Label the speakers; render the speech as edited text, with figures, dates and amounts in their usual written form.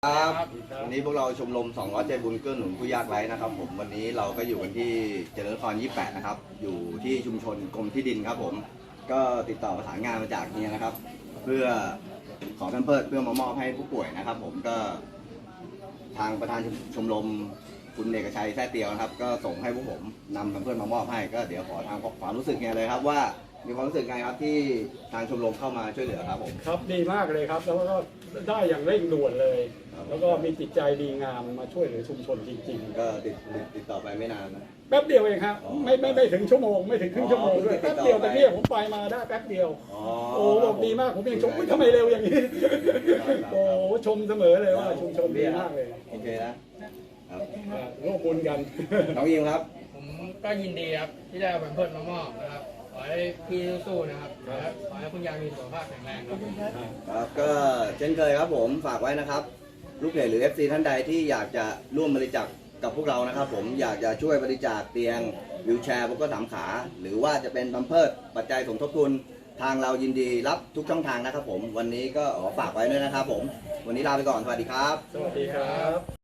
Speaker 1: ครับวันนี้พวกเราชมรม200ใจบุญเกื้อหนุนผู้ยากไร้นะครับผมวันนี้เราก็อยู่กันที่เจริญนคร28นะครับอยู่ที่ชุมชนกรมที่ดินครับผมก็ติดต่อประสานงานมาจากเฮียนะครับเพื่อขอแพมเพิร์สเพื่อมามอบให้ผู้ป่วยนะครับผมก็ทางประธานชมรมคุณเอกชัยแท้เตียวนะครับก็ส่งให้พวกผมนำแพมเพิร์สมามอบให้ก็เดี๋ยวขอทางความรู้สึกเฮียเลยครับว่ามีความรู้สึกไงครับที่ทางชมรมเข้ามาช่วยเหลือครับผม
Speaker 2: ครับดีมากเลยครับแล้วก็ได้อย่างเร่งด่วนเลย แล้วก็มีจิตใจดีงามมาช่วยเหลือชุมชนจริงๆ
Speaker 1: ก็ติดต่อไปไม่นานนะ
Speaker 2: แป๊บเดียวเองครับไม่ถึงชั่วโมงไม่ถึงครึ่งชั่วโมงด้วยแป๊บเดียวแต่เนี่ยผมไปมาได้แป๊บเดียวโอ้บอกดีมากผมยังชมทำไมเร็วอย่างนี้โอ้ชมเสมอเลยว่าชุมชนดีมากเลย
Speaker 1: โอเคนะครับ
Speaker 2: ร่วมบุญกัน
Speaker 1: น้องยิมครับ
Speaker 3: ผมก็ยินดีครับที่ได้เอาแพมเพิร์สมามอบนะครับขอให้พี่สู้ๆนะครับขอให้คุณยายมีสุขภาพแข็งแรงครับ
Speaker 1: ครับก็เช่นเคยครับผมฝากไว้นะครับลูกเพจหรือ FC ท่านใดที่อยากจะร่วมบริจาคกับพวกเรานะครับผมอยากจะช่วยบริจาคเตียงวิวแชร์พวกก็3ขาหรือว่าจะเป็นแพมเพิร์สปัจจัยสมทบทุนทางเรายินดีรับทุกช่องทางนะครับผมวันนี้ก็ฝากไว้ด้วยนะครับผมวันนี้ลาไปก่อนสวัสดีครับ
Speaker 2: สวัสดีครับ